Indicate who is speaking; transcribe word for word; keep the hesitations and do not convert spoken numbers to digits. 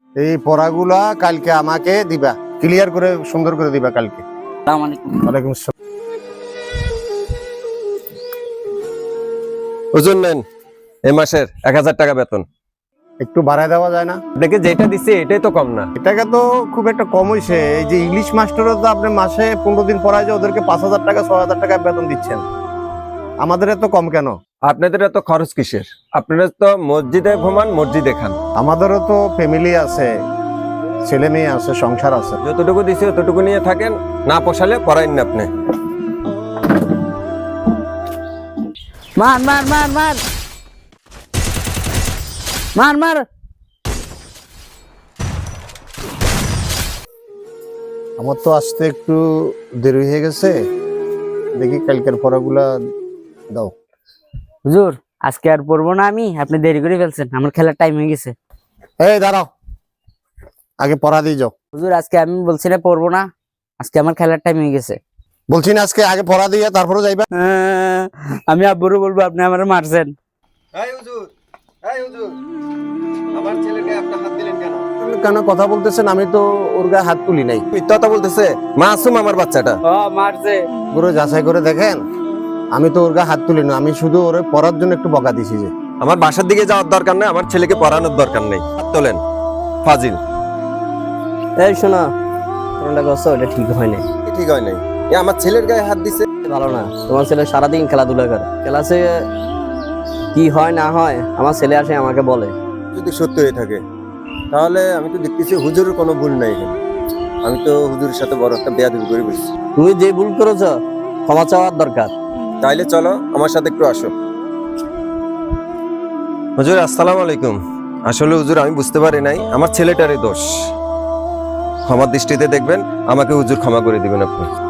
Speaker 1: এই পড়াগুলা কালকে আমাকে দিবা, ক্লিয়ার করে সুন্দর করে দিবা কালকে।
Speaker 2: আসসালামু আলাইকুম।
Speaker 1: ওয়ালাইকুম আসসালাম।
Speaker 3: হুজুর নেন এই মাসের এক হাজার টাকা বেতন।
Speaker 1: একটু বাড়ায় দেওয়া যায় না?
Speaker 3: আপনাকে যেটা দিচ্ছে এটাই তো কম না।
Speaker 1: এটাকে তো খুব একটা কম হয়েছে। এই যে ইংলিশ মাস্টারও তো আপনি মাসে পনেরো দিন পড়ায় যে ওদেরকে পাঁচ হাজার টাকা ছয় হাজার টাকা বেতন দিচ্ছেন, আমাদের এত কম কেন?
Speaker 3: আপনাদের এত খরচ কিসের? আপনারা তো মসজিদে ঘুমান, মসজিদে খান।
Speaker 1: আমাদেরও তো ফ্যামিলি আছে, ছেলে মেয়ে আছে, সংসার আছে।
Speaker 3: যতটুকু দিছে ততটুকু নিয়ে থাকেন, না পোষালে পড়াইন না আপনি।
Speaker 2: মার মার মার মার মার মার।
Speaker 1: আমার তো আসতে একটু দেরি হয়ে গেছে, দেখি কালকের পড়াগুলা দাও।
Speaker 2: হুজুর আজকে আর পড়বো না আমি, আপনি দেরি করে ফেলছেন, আমার খেলার টাইম হয়ে গেছে।
Speaker 1: এই দাঁড়াও, আগে পড়া দিয়ে যাও।
Speaker 2: হুজুর আজকে আমি বলছি না পড়বো না, আজকে আমার খেলার টাইম হয়ে গেছে।
Speaker 1: বলছি না আজকে আগে পড়া দিয়ে তারপরে যাইবা।
Speaker 2: আহ, আমি আব্বুরও বলবো আপনি আমার মারছেন।
Speaker 3: এই হুজুর, এই হুজুর, আমার ছেলেকে আপনি হাত দিলেন কেন?
Speaker 1: কেন কথা বলতেছেন? আমি তো ওর গায়ে হাত তুলি নাই।
Speaker 3: মিথ্যা কথা বলতেছে, মাসুম আমার বাচ্চাটা।
Speaker 2: ও মারছে।
Speaker 1: পুরো যাচাই করে দেখেন, আমি তো ওর গায়ে হাত তুলি না, আমি শুধু ওর পড়ার জন্য একটু বকা দিছি। যে
Speaker 3: আমার বাসার দিকে যাওয়ার দরকার নেই, আমার ছেলেকে পড়ানোর দরকার নেই। হাত তোলেন ফাজিল।
Speaker 4: এই শোনো, কোনটা করছো এটা ঠিক হয় না,
Speaker 3: কি ঠিক হয় নাই? এ আমার ছেলের গায়ে হাত দিছে।
Speaker 4: ভালো না। তোমার ছেলে সারাদিন খেলাধুলা করে, ক্লাসে কি হয় না হয় আমার ছেলে আসে আমাকে বলে।
Speaker 3: যদি সত্য হয়ে থাকে তাহলে আমি তো দেখতেছি হুজুরের কোনো ভুল নাই এখানে। আমি তো হুজুরের সাথে বড় একটা বেয়াদবি করে বসছি।
Speaker 4: তুমি যে ভুল করেছো ক্ষমা চাওয়ার দরকার।
Speaker 3: তাইলে চলো আমার সাথে একটু আসো। হুজুর আসসালামু আলাইকুম। আসলে হুজুর আমি বুঝতে পারি নাই, আমার ছেলেটারই দোষ। ক্ষমার দৃষ্টিতে দেখবেন, আমাকে হুজুর ক্ষমা করে দিবেন আপনি।